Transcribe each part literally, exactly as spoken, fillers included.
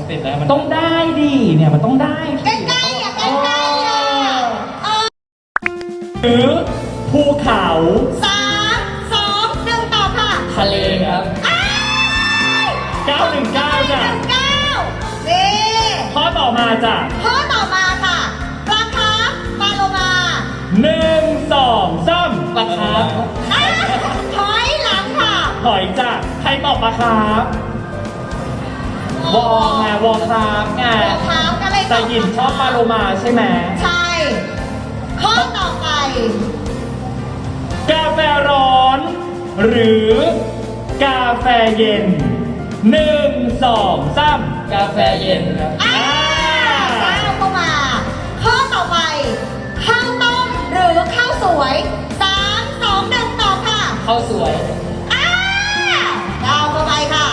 ติดแล้วมันต้องได้ดิเนี่ยมันต้องได้ใกล้ๆอ่ะใกล้ๆอ่ะเออหรือภูเขาสามสองหนึ่งตอบค่ะทะเลครับอ้ายเก้าหนึ่งเก้าจ้ะหนึ่งเก้านี่ข้อต่อมาจ้ะข้อต่อมาค่ะปลาคาร์ฟปลาโลมาหนึ่งสองสามปลาคาร์ฟอ้าวถอยหลังค่ะหอยจ้ะใครตอบปลาคาร์ฟวอไงวอคาร์ฟไงปลาคาร์ฟก็เลยตแต่อบหยินชอบปลาโลมาใช่ไหมใช่ ข้อต่อไปกาแฟร้อน หรือกาแฟเย็นหนึ่งสองสามกาแฟเย็นครับอ้าวก้าวเข้ามา ข้อต่อไป ข้าวต้มหรือข้าวสวยสามสองหนึ่งตอบค่ะข้าวสวยอ้าวก้าวเข้าไปค่ะ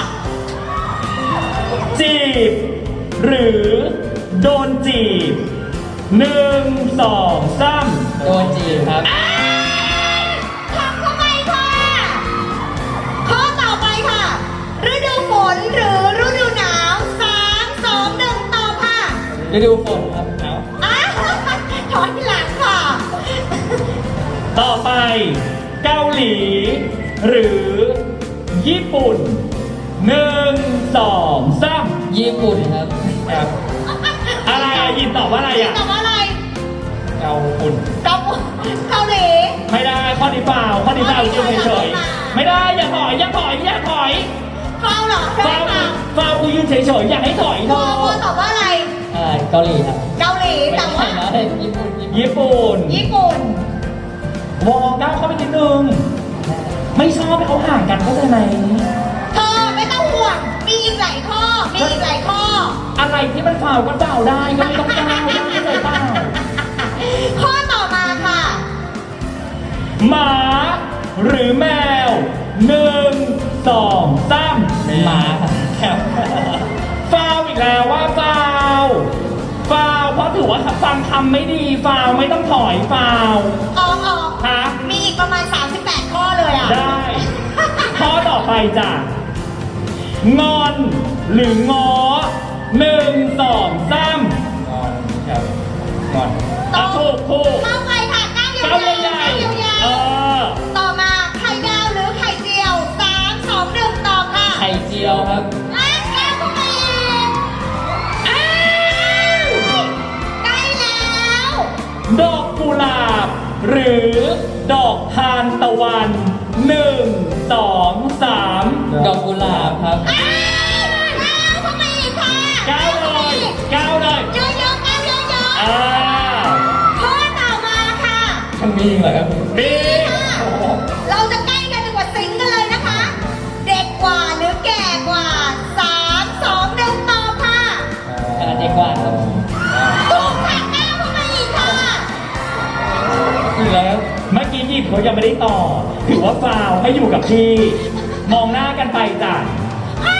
จีบ หรือโดนจีบหนึ่งสองสามโดนจีบครับอ้าวทำเข้าไปค่ะ ข้อต่อไปค่ะ ฤดูฝนหรือฤดูหนาวสามสองหนึ่งตอบค่ะฤดูฝนครับเอาอ้าวถอยหลังค่ะต่อไปเกาหลี หรือญี่ปุ่นหนึ่งสองสามญี่ปุ่นครับครับอะไรอะยินตอบว่าอะไรอะตอบว่าอะไรเกาปุ่นเกาเกาหลีไม่ได้ข้อนี้เปล่าข้อนี้เปล่ายืนเฉยๆไม่ได้อย่าถอยอย่าถอยอย่าถอยเฝ้าเหรอใช่ฟาวเปล่าฟาวกูยืนเฉยๆอย่าให้ถอยเธโมอโมตอบว่าอะไรเอ่อเกาหลีครับเกาหลีไม่แต่ว่าใช่นะญี่ปุ่นญี่ปุ่นญี่ปุ่นญี่ปุ่นวอก้าวเข้าไปนิดนึงไม่ชอบให้เขาห่างกันเข้าใจไหมเธอไม่ต้องห่วง มีอีกหลายข้อ มีอีกหลายข้ออะไรที่มันฟาวก็ฟาวได้ก็ไม่ต้องก้าวได้เข้าใจเปล่าข้อต่อมาค่ะหมาหรือแมวหนึ่งสองสามหมาครับฟาวอีกแล้วว่าฟาวฟาวเพราะถือว่าฟังคำไม่ดีฟาวไม่ต้องถอยฟาวออกออกฮะมีอีกประมาณ สามสิบแปด ข้อเลยอ่ะได้ ข้อต่อไปจ้ะงอนหรือง้อหนึ่งสองสามงอนครับงอนต่ออ่ะถูกถูกเข้าไปค่ะก้าวยาเก้าวๆใหญ่ก้าวยาๆเอวอๆต่อมาไข่ดาวหรือไข่เจียวสามสองหนึ่งตอบค่ะไข่เจียวครับอ่ะก้าวเข้าไปอีกอ้าวใกล้แล้วดอกกุหลาบ หรือดอกทานตะวันหนึ่งสองสามดอกกุหลาบครับอ้าวก้าวเข้าไปอีกค่ะก้าวเลยก้าวเลยเยอะๆก้าวเยอะอ่าๆข้อต่อมาค่ะมันมีเหรอครับบีค่ะเราจะใกล้กันถึงกว่าสิงกันเลยนะคะ เด็กกว่าหรือแก่กว่าสามสองหนึ่งตอบค่ะอ่าเด็กกว่าครับถูกค่ะก้าวเข้าไปอีกค่ะอีกแล้วเมื่อกี้หยิบเขายังไม่ได้ต่อ ถือว่าฟาวให้อยู่กับที่ มองหน้ากันไปจ้ะอ้า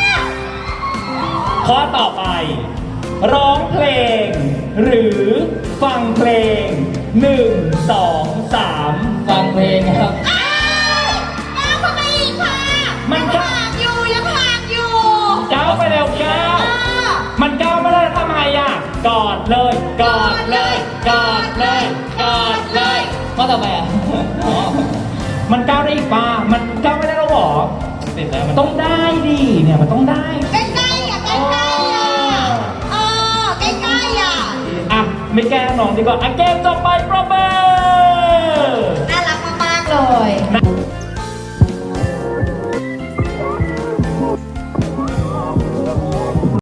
ข้อต่อไป ร้องเพลง หรือฟังเพลงหนึ่งสองสามฟังเพลงครับอ้าวก้าวเข้าไปอีกค่ะมันยังก็ห่างอยู่ยังห่างอยู่ก้าวไปเร็วก้าวอ่ามันก้าวไม่ได้แล้วทำไมอ่ะ กอดเลย กอดเลย กอดเลย กอดเลยข้อต่อไปอ่ะอ๋อมันก้าวได้อีกป่ะมันก้าวไม่ได้แล้วหรอติดแล้วมันต้องได้ดิเนี่ยมันต้องได้ใกล้ๆอ่ะใกล้ๆอ่ะเออใกล้ๆอ่ะอ่ะ ไม่แกล้งน้องดีกว่าอ่ะเกมต่อไปประเบิ